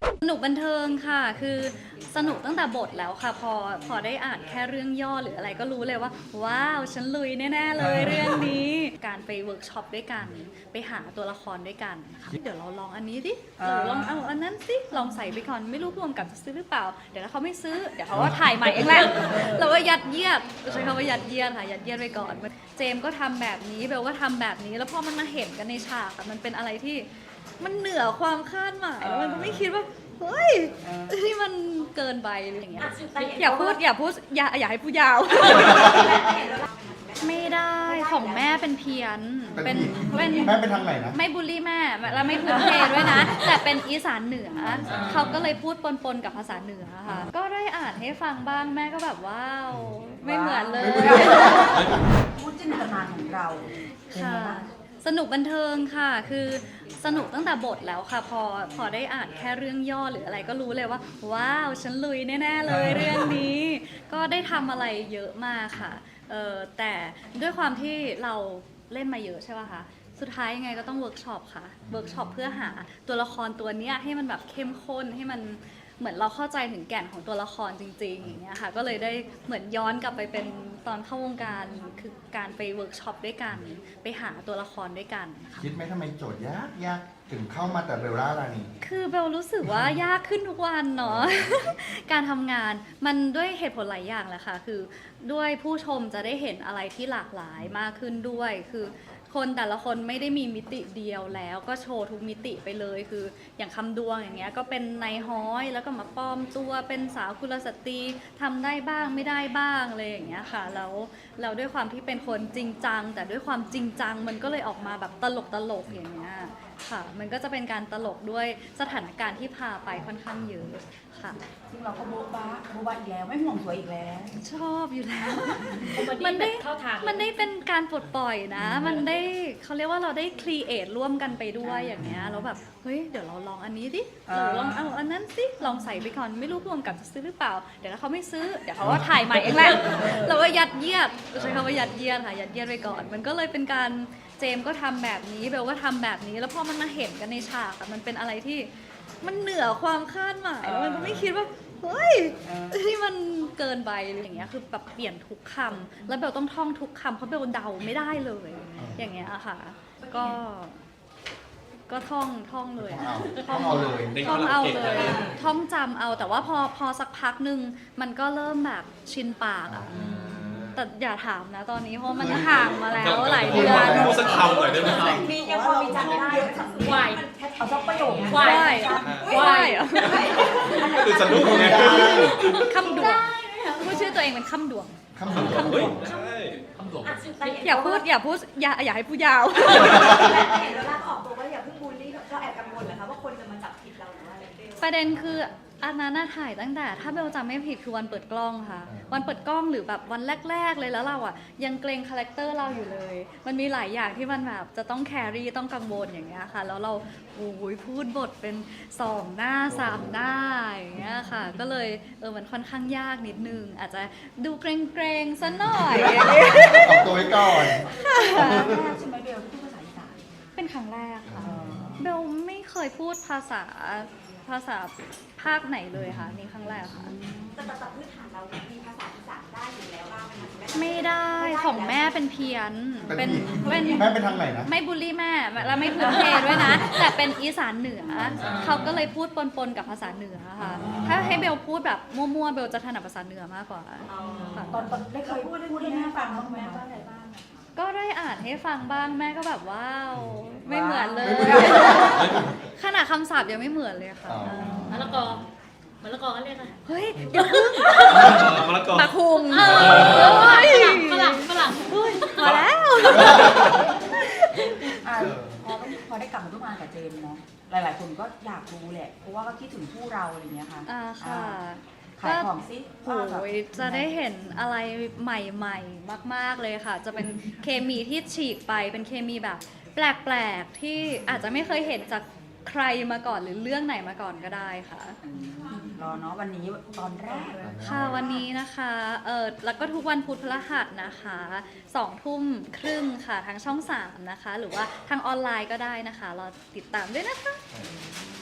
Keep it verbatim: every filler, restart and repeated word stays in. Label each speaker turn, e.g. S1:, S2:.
S1: สนุกบันเทิงค่ะคือสนุกตั้งแต่บทแล้วค่ะพอพอได้อ่านแค่เรื่องย่อหรืออะไรก็รู้เลยว่าว้าวฉันลุยแน่ๆเลยเรื่องนี้การไปเวิร์กช็อปด้วยกันไปหาตัวละครด้วยกันค่ะเดี๋ยวเราลองอันนี้ดิหรือลองเอาอันนั้นสิลองใส่ไปก่อนไม่รู้รวมกับจะซื้อหรือเปล่าเดี๋ยวถ้าเขาไม่ซื้อเดี๋ยวเขาก็ถ่ายใหม่เองแหละเราก็ยัดเยียดใช้คำว่ายัดเยียดค่ะยัดเยียดไปก่อนเจมก็ทำแบบนี้เบลก็ทำแบบนี้แล้วพอมันมาเห็นกันในฉากมันเป็นอะไรที่มันเหนือความคาดหมายแล้วมันก็ไม่คิดว่าเฮ้ยที่มันเกินไปหรืออย่างเงี้ยอย่าพูดอย่าพูดอย่าอย่าให้พูดยาว ไม่ได้ของแม่เป็นเพี้ยนเป็นเป็น
S2: แม่เป็นทางไหนนะ
S1: ไม่บูลลี่แม่แล้วไม่พื้นเพด้วยนะ แต่เป็นอีสานเหนือเขาก็เลยพูดปนๆกับภาษาเหนือค่ะก็ได้อ่านให้ฟังบ้างแม่ก็แบบว้าวไม่เหมือนเลย
S3: พูดจินตนาการของเรา
S1: ค่ะสนุกบันเทิงค่ะคือสนุกตั้งแต่บทแล้วค่ะพอพอได้อ่านแค่เรื่องย่อหรืออะไรก็รู้เลยว่าว้าวฉันลุยแน่ๆเลยเรื่องนี้ก็ได้ทำอะไรเยอะมากค่ะเออแต่ด้วยความที่เราเล่นมาเยอะใช่ป่ะคะสุดท้ายยังไงก็ต้องเวิร์กช็อปค่ะเวิร์กช็อปเพื่อหาตัวละครตัวนี้ให้มันแบบเข้มข้นให้มันเหมือนเราเข้าใจถึงแก่นของตัวละครจริงๆอย่างเงี้ยค่ะก็เลยได้เหมือนย้อนกลับไปเป็นตอนเข้าวงการคือการไปเวิร์กช็อปด้วยกันไปหาตัวละครด้วยกัน
S2: คิดไหมทำไมโจทย์ยากยากถึงเข้ามาแต่เบลล่ารานี
S1: คือเบลรู้สึกว่ายากขึ้นทุกวันเนาะ การทำงานมันด้วยเหตุผลหลายอย่างแหละค่ะคือด้วยผู้ชมจะได้เห็นอะไรที่หลากหลายมากขึ้นด้วยคือคนแต่ละคนไม่ได้มีมิติเดียวแล้วก็โชว์ทุกมิติไปเลยคืออย่างคำดวงอย่างเงี้ยก็เป็นนายฮ้อยแล้วก็มาปลอมตัวเป็นสาวกุลสตรีทำได้บ้างไม่ได้บ้างอะไรอย่างเงี้ยค่ะแล้วเราด้วยความที่เป็นคนจริงจังแต่ด้วยความจริงจังมันก็เลยออกมาแบบตลกตลกอย่างเงี้ยค่ะมันก็จะเป็นการตลกด้วยสถานการณ์ที่พาไปค่อนข้างเยอะค่ะ
S3: ซึ่งเราก็โบ๊ะบ้าโบ๊ะบ้าอีกแล้วไม่ห่วงสวยอีกแล้ว
S1: ชอบอยู่แล้วมันได้มันได้เป็นการปลดปล่อยนะมันได้เขาเรียกว่าเราได้ครีเอทร่วมกันไปด้วยอย่างเงี้ยแล้วแบบเฮ้ยเดี๋ยวเราลองอันนี้ดิหรือลองเอาอันนั้นสิลองใส่ไปก่อนไม่รู้รวมกับจะซื้อหรือเปล่าเดี๋ยวถ้าเขาไม่ซื้อเดี๋ยวเขาก็ถ่ายใหม่เองแหละเราก็ยัดเยียดใช้คำว่ายัดเยียดค่ะยัดเยียดไปก่อนมันก็เลยเป็นการเจมก็ทำแบบนี้เบลก็ทำแบบนี้แล้วพอมันมาเห็นกันในฉากมันเป็นอะไรที่มันเหนือความคาดหมายแล้วมันก็ไม่คิดว่าเฮ้ยที่มันเกินไปหรืออย่างเงี้ยคือแบบเปลี่ยนทุกคำแล้วเบลต้องท่องทุกคำเพราะเบลเดาไม่ได้เลยอย่างเงี้ยค่ะก็ก็ท่องท่องเลย
S2: ท่องเอาเลย
S1: ท่องเอาเลยท่องจำเอาแต่ว่าพอพอสักพักหนึ่งมันก็เริ่มแบบชินปากอ่ะแต่อย่าถามนะตอนนี้เพราะมันห่างมาแล้วหลายเดือน
S4: พูดสักคำหน่อยได้ไหมครับ
S3: มียังพอมีจำได้วายเอาสักประโยคว
S1: ายว
S3: าย
S4: คือสนุกไง
S1: คำดวงพูดชื่อตัวเองเป็นคำดวง
S2: คำดวง
S4: คำดวงใช่คำดวง
S1: อย่าพูดอย่าพูดอย่าอย่าให้พูดยาว
S5: เห็นเวลาออกตัวว่าอย่าเพิ่งบูลลี่เราแอบกังวลเหรอคะว่าคนจะมาจับผิดเราหรือว่าอะไร
S1: ประเด็นคืออันนั้นน่าถ่ายตั้งแต่ถ้าเบลจำไม่ผิดคือวันเปิดกล้องค่ะวันเปิดกล้องหรือแบบวันแรกๆเลยแล้วเราอ่ะยังเกรงคาแรคเตอร์เราอยู่เลยมันมีหลายอย่างที่มันแบบจะต้องแครี่ต้องกังวลอย่างเงี้ยค่ะแล้วเราโอ้ยพูดบทเป็นสองหน้าสามหน้าอย่างเงี้ยค่ะก็เลยเออมันค่อนข้างยากนิดนึงอาจจะดูเกรงๆซะหน่อย
S2: ออกตัวไว้ก่อน
S3: ใช่ไหมเบลพูดภาษาอีสาน
S1: เป็นครั้งแรกค่ะเบลไม่เคยพูดภาษาภาษาภาคไหนเลยค่ะนี่ครั้งแรกค่ะ
S5: แต่แต่พื้นฐานเรามีภาษาอีสานได้อยู่แล้วบ้างไหมคะ
S1: ไม่ได้ของแม่เป็นเพี้ยนเป็น
S2: เป็นแม่เป็นทางไหนนะ
S1: ไม่บูลลี่แม่แล้วไม่พื้นเพด้วยนะแต่เป็นอีสานเหนือเขาก็เลยพูดปนๆกับภาษาเหนือค่ะถ้าให้เบลพูดแบบมั่วๆเบลจะถนัดภาษาเหนือมากกว่า
S3: ตอนตอนได้เคยพูดพูดให้แม่ฟังบ้างไหมคะ
S1: ก็ได้อ่านให้ฟังบ้างแม่ก็แบบว้าวไม่เหมือนเลยขนาดคำศัพท์ยังไม่เหมือนเลยค่ะ
S6: มะละกอมะละกอเขาเรียกอะไร
S1: เฮ้ยอย่าพึ่ง
S4: มะละกอ
S1: ตะคุง
S6: ฝรั่งฝรั่ง
S1: พอแล้ว
S3: พอพอได้กลับมาร่วมงานกับเจมส์เนาะหลายๆคนก็อยากรู้แหละเพราะว่าก็คิดถึงคู่เราอะไรเงี้ยค่ะ
S1: อ่าค่ะ
S3: ขายของซิ
S1: โอ้ยจะได้เห็นอะไรใหม่ๆมากๆเลยค่ะจะเป็นเคมีที่ฉีกไปเป็นเคมีแบบแปลกๆที่อาจจะไม่เคยเห็นจากใครมาก่อนหรือเรื่องไหนมาก่อนก็ได้ค่ะ
S3: รอเนาะวันนี้ตอนแรก
S1: ค่ะวันนี้นะคะเออแล้วก็ทุกวันพุธพฤหัสนะคะสองทุ่มครึ่งค่ะทางช่องสามนะคะหรือว่าทางออนไลน์ก็ได้นะคะรอติดตามด้วยนะคะ